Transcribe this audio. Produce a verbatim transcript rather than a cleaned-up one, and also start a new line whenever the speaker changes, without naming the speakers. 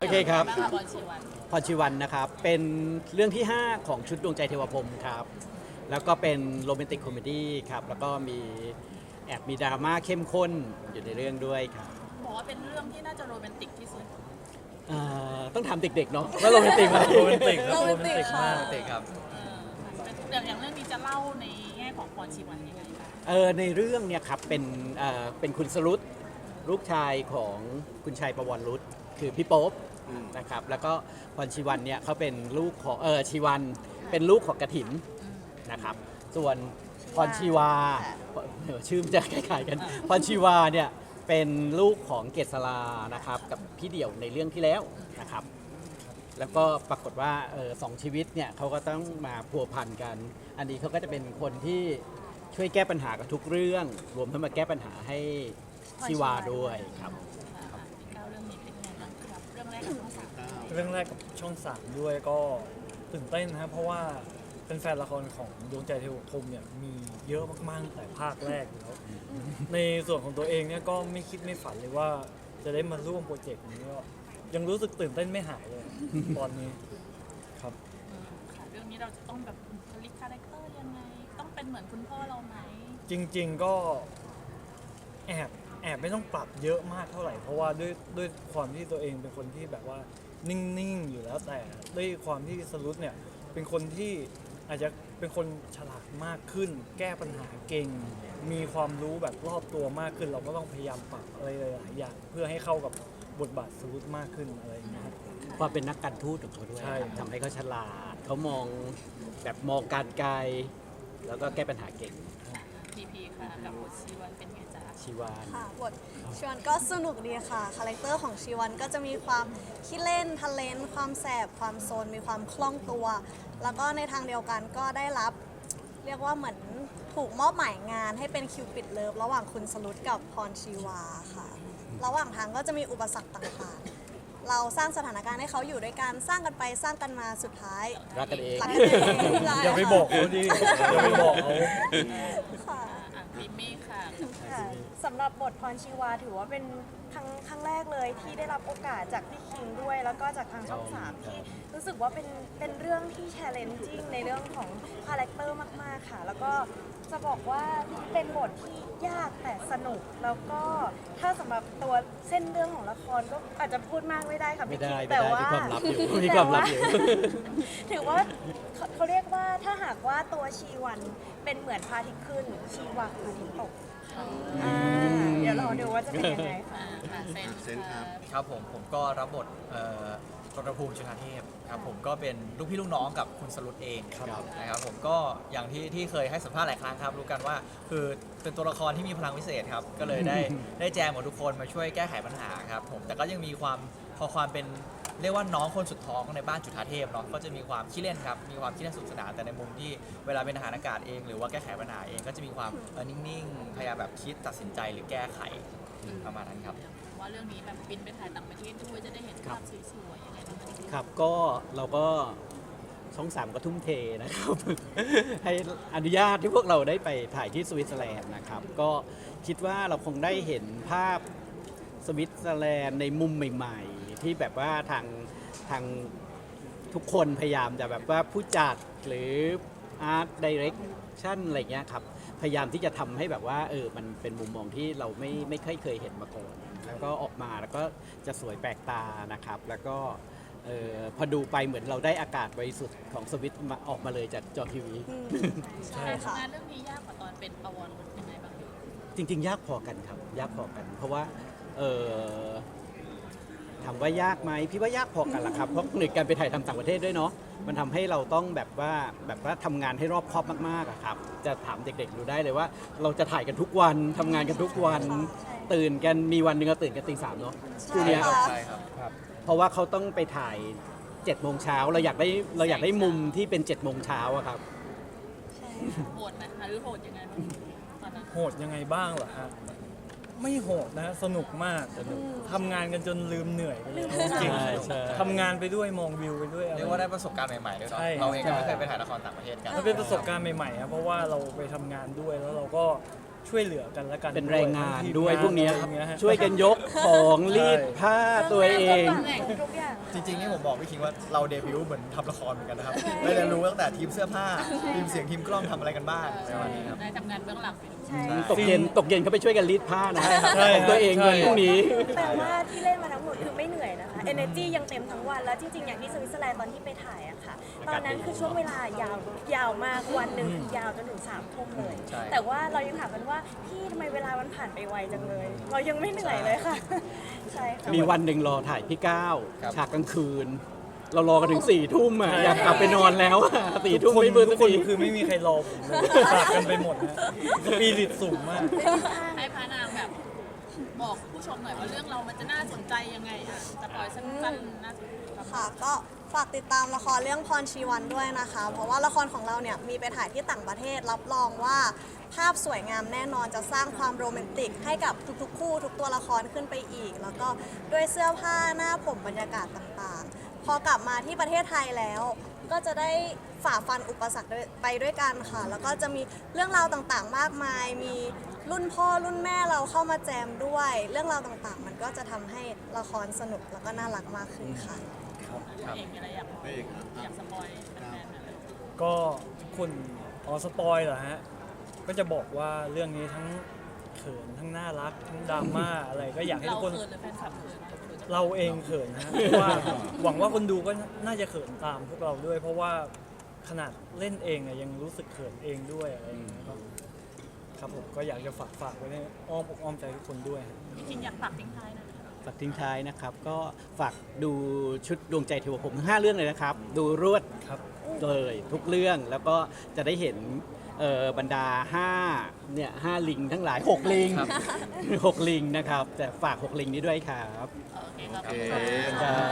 เคครับ
บ้างคะบอลชีวัน
พรชีวันนะครับเป็นเรื่องที่ ห้า ของชุดดวงใจเทวพรหมครับแล้วก็เป็นโรแมนติกคอมเมดี้ครับแล้วก็มีแอบมีดราม่าเข้มข้นอยู่ในเรื่องด้วยครับ
บอกว่าเป็นเรื่องที่น่าจะโรแมนติกที่สุด
เอ่อต้องถามเด็กๆเนาะว่าโรแมนติกไหม
โรแมนติกครับ
โร
โร
แม
แม
น
น
ติ
ติ
ก
ก
ค่ะ
มาก
เด็กครับ
เอออย่างอย่างเรื่องนี้จะเล่าในแง่ของพรชีวันยังไงบ้าง
เออในเรื่องเนี่ยครับเป็นเอ่อเป็นคุณสรุตลูกชายของคุณชัยประวรรุตคือพี่โป๊ปนะครับแล้วก็พรชีวันเนี่ยเขาเป็นลูกของเออชีวันเป็นลูกของกฐินนะครับส่วนพรชีวาเออชื่อมันจะคล้ายๆกันพรชีวาเนี่ยเป็นลูกของเกษรานะครับกับพี่เดี่ยวในเรื่องที่แล้วนะครับแล้วก็ปรากฏว่าเออสองชีวิตเนี่ยเขาก็ต้องมาพัวพันกัน อันนี้เขาก็จะเป็นคนที่ช่วยแก้ปัญหากับทุกเรื่อง รวมทั้งมาแก้ปัญหาให้ชีวาด้วยครับ
ค่ะพี่ก้าวเรื่องนี้เป็นยังไงบ้างครับเรื่องแรกของทั้งสาม
เรื่องแรกกับช่องสามด้วยก็ตื่นเต้นนะครับเพราะว่าเป็นแฟนละครของดวงใจเทวพรหมเนี่ยมีเยอะมากๆตั้งแต่ภาคแรกอยู่แล้วในส่วนของตัวเองเนี่ยก็ไม่คิดไม่ฝันเลยว่าจะได้มาร่วมโปรเจกต์นี้ก็ยังรู้สึกตื่นเต้นไม่หายเลยตอนนี้ครับ
อืมค่ะเรื่องนี้เราจะต้องแบบผลิตคาแรคเตอร์ยังไง ต้องเป็นเหมือนคุณพ่อเราไหม
จริงๆก็แอบแอบไม่ต้องปรับเยอะมากเท่าไหร่ เพราะว่าด้วยด้วยความที่ตัวเองเป็นคนที่แบบว่านิ่งๆอยู่แล้วแต่ด้วยความที่สรุปเนี่ยเป็นคนที่อาจจะเป็นคนฉลาดมากขึ้น แก้ปัญหาเก่ง มีความรู้แบบรอบตัวมากขึ้น เราก็ต้องพยายามปรับอะไรหลายๆอย่างเพื่อให้เข้ากับบทบาทสรุปมากขึ้นอะไรอย่างเงี้ยครับ
ความเป็นนักการทูตของเขาด้วย
ใช่
ทำให้เขาฉลาดเขามองแบบมองการไกล แล้วก็แก้ปัญหาเก่ง
พีพีค่ะกับบทชีวันเป็นไงจ๊ะ
ชีวาน
ค่ะบทชีวันก็สนุกดีค่ะ คาแรคเตอร์ของชีวันก็จะมีความขี้เล่นทะเลนความแสบ ความโซน มีความคล่องตัว แล้วก็ในทางเดียวกันก็ได้รับ เรียกว่าเหมือนถูกมอบหมายงานให้เป็นคิวปิดเลิฟระหว่างคุณสรุตกับพรชีวาค่ะ ระหว่างทางก็จะมีอุปสรรคต่างๆ เราสร้างสถานการณ์ให้เขาอยู่ด้วยกันสร้างกันไปสร้างกันมาสุดท้าย
รักกันเอง
รักกันเองใช่
อย่าไปบอกเขาดิอย่าไปบอกเขา
ค่ะ
อ่ะพิมมี่ค่ะ
ค่ะสำหรับบทพรชีวาถือว่าเป็นครั้งครั้งแรกเลยที่ได้รับโอกาสจากพี่คิงด้วย แล้วก็จากทางช่องสามที่รู้สึกว่าเป็นเป็นเรื่องที่ challenging ในเรื่องของคาแรคเตอร์มาก ๆ ค่ะ แล้วก็จะบอกว่าเป็นบทที่ยากแต่สนุก แล้วก็ถ้าสำหรับตัวเส้นเรื่องของละครก็อาจจะพูดมากไม่ได้ค่ะ
ไม่
พี่
ได้
คิง
ไม่
แต่
ได้
ว่า
มีความลับอยู่มีความลับอยู่
ถือว่าเขาเขาเรียกว่าถ้าหากว่าตัวชีวันเป็นเหมือนพระอาทิตย์ขึ้น ชีวาคืออาทิตย์ตกอ่าเดี๋ยวเราดูว่าจะเป็นยังไงค่ะ
อ่าค่ะเซน
เซนครับครับผมผมก็รับบทเอ่อรณภูมิจุฑาเทพครับผมก็เป็นลูกพี่ลูกน้องกับคุณสรุตเอง
ครับ
นะครับผมก็อย่างที่ที่เคยให้สัมภาษณ์หลายครั้งครับรู้กันว่าคือเป็นตัวละครที่มีพลังวิเศษครับก็เลยได้ ได้แจมกับทุกคนมาช่วยแก้ไขปัญหาครับผมแต่ก็ยังมีความพอความเป็นเรียกว่าน้องคนสุดท้องในบ้านจุฑาเทพเนาะก็จะมีความขี้เล่นครับมีความขี้เล่นสนุกสนานแต่ในมุมที่เวลาเป็นทหารอากาศเอง หรือว่าแก้ไขปัญหาเองก็จะมีความเออนิ่งๆพยายามแบบคิดตัดสินใจหรือแก้ไขประมาณนั้นครับ
ว่าเรื่องนี้แบบบินไปถ่ายต่างประเทศด้วยจะได้เห็นภาพสวยๆยังไงบ้างคะ
ครับก็เราก็ช่องสามก็ทุ่มเทนะครับ ให้อนุญาตที่พวกเราได้ไปถ่ายที่สวิตเซอร์แลนด์นะครับ ก็คิดว่าเราคงได้เห็นภาพสวิตเซอร์แลนด์ในมุมใหม่ๆ ที่แบบว่าทางทางทุกคนพยายามจะแบบว่าผู้จัดหรืออาร์ตดิเรกชั่นอะไรเงี้ยครับพยายามที่จะทำให้แบบว่าเออมันเป็นมุมมองที่เราไม่ไม่เคยเคยเห็นมาก่อนแล้วก็ออกมาแล้วก็จะสวยแปลกตานะครับ แล้วก็เออพอดูไปเหมือนเราได้อากาศบริสุทธิ์ของสวิตมาออกมาเลยจากจอทีวี
อืม
ใช่
ใช่ค่ะ
ทำงานเรื่องนี้ยากกว่าตอนเป็นประวรรุตยังไงบ้างคะ
จริง ๆ ยากพอกันครับ ยากพอกัน เพราะว่าเออถามว่ายากไหมพี่ว่ายากพอกันละครับเพราะหนึ่งการไปถ่ายทำต่างประเทศด้วยเนาะมันทำให้เราต้องแบบว่าแบบว่าทำงานให้รอบคอบมากๆอะครับจะถามเด็กๆดูได้เลยว่า เราจะถ่ายกันทุกวันทำงานกันทุกวัน ตื่นกันมีวันหนึ่งเราตื่นกันตีสามเนาะคู่เนี้ย
ค่ะ
ใช่ครับ
ครับเพราะว่าเขาต้องไปถ่ายเจ็ดโมงเช้าเราอยากได้เราอยากได้มุมที่เป็นเจ็ดโมงเช้าอะครับ
โหดไหมหรือโหดยังไงบ้างตอนนั้น
โหดยังไงบ้างเหรอฮะไม่โหดนะฮะสนุกมากทำงานกันจนลืมเหนื่อยไปเลยจริง
ใช่ใช่
ทำงานไปด้วยมองวิวไปด้วยอะไร
เรียกว่าได้ประสบการณ์ใหม่ๆด้วยเนาะ
ใช่
เราเองก็ไม่เคยไปถ่ายละครต่างประเทศกัน
มันเป็นประสบการณ์ใหม่ๆครับเพราะว่าเราไปทำงานด้วยแล้วเราก็ช่วยเหลือกันและกัน
เป็นแรงงาน
ทั้ทีม
ด้วยพวกเนี้ย
อะไรอย่างเงี้ฮะ
ช่วยกันยกของรีดผ้าตัวเอง
ทุกอย่าง
จริงๆนี่ผมบอกพี่คิงว่าเราเดบิวต์เหมือนทำละครเหมือนกันนะครับได้เรียนรู้ตั้งแต่ทีมเสื้อผ้าทีมเสียงทีมกล้องทำอะไรกันบ้างในวันนี้ครับ
ได้ทำงานเบื้องหลังไปด้วย
ใช่
ตกเย็นตกเย็นเขาไปช่วยกันรีดผ้านะ
ใช่
ของตัวเอง
ใช่
เงินพวกนี้
แปลว่าที่เล่นมาทั้งหมดคือไม่เหนื่อยนะคะ energy ยังเต็มทั้งวัน แล้วจริงๆ อย่างที่สวิตเซอร์แลนด์ตอนที่ไปถ่ายอะค่ะ ตอนนั้นคือช่วงเวลายาวยาวมากวันหนึ่งคือยาวจนถึงสามทุ่มเลย
ใช่
แต่ว่าเรายังถามกันว่าพี่ทำไมเวลามันผ่านไปไวจังเลย เรายังไม่เหนื่อยเลยค่ะ ใช่ค่ะ
มีวันหนึ่งรอถ่ายพี่ก้าว
ครับ
ฉากกลางคืน เรารอกันถึงสี่ทุ่มอ่ะอยากกลับไปนอนแล้วอะสี่ทุ่ม
ทุกคน
ไม่เบิร์
ทุ
น
กคน
ที
คือไม่มีใครรอผมเลยปากกันไปหมดนะสปีริตสูงมาก
ให้พานางแบบบอกผู้ชมหน่อยว่าเรื่องเรามันจะน่าสนใจยังไงอ่ะจะปล่อยสั้นๆน่าสนใจ
ค่ะก็ฝากติดตามละครเรื่องพรชีวันด้วยนะคะ เพราะว่าละครของเราเนี่ยมีไปถ่ายที่ต่างประเทศรับรองว่าภาพสวยงามแน่นอนจะสร้างความโรแมนติกให้กับทุกๆ คู่ทุกตัวละครขึ้นไปอีก แล้วก็ด้วยเสื้อผ้าหน้าผมบรรยากาศต่างๆ พอกลับมาที่ประเทศไทยแล้ว ก็จะได้ฝ่าฟันอุปสรรคด้วยไปด้วยกันค่ะ แล้วก็จะมีเรื่องราวต่างๆ มากมาย มีรุ่นพ่อรุ่นแม่เราเข้ามาแจมด้วย เรื่องราวต่างๆ มันก็จะทำให้ละครสนุกแล้วก็น่ารักมากขึ้นค่ะ
ตัวเองมีอะไรอยากอยากสปอยแฟนๆไหม
ก็คุณอ๋อสปอยเหรอฮะ ก็จะบอกว่าเรื่องนี้ทั้งเขินทั้งน่ารักทั้งดราม่าอะไรก็อยากให้
เรา
ทุกคน
เขินหรือแฟนคลับเขินหรือจะ
เราเองเขินนะฮะเพราะว่าหวังว่าคนดูก็น่าจะเขินตามพวกเราด้วย เพราะว่าขนาดเล่นเองเนี่ยยังรู้สึกเขินเองด้วยอะไรอย่างเงี้ยครับครับผมก็อยากจะฝากฝากไว้ในอ้อมอกอ้อมใจทุกคนด้วยฮะ
จริงๆอยากฝากทิ้งท้ายหนะ
ฝากทิ้งท้ายนะครับ ก็ฝากดูชุดดวงใจเทวผมทั้งห้าเรื่องเลยนะครับ ดูรวด
ครับ
เลยทุกเรื่องแล้วก็จะได้เห็นเอ่อบรรดาห้าเนี่ยห้าลิงทั้งหลายหกลิง
ครับ
หกลิงนะครับแต่ฝากหกลิงนี้ด้วยครับ
โอเคครับ
ครับ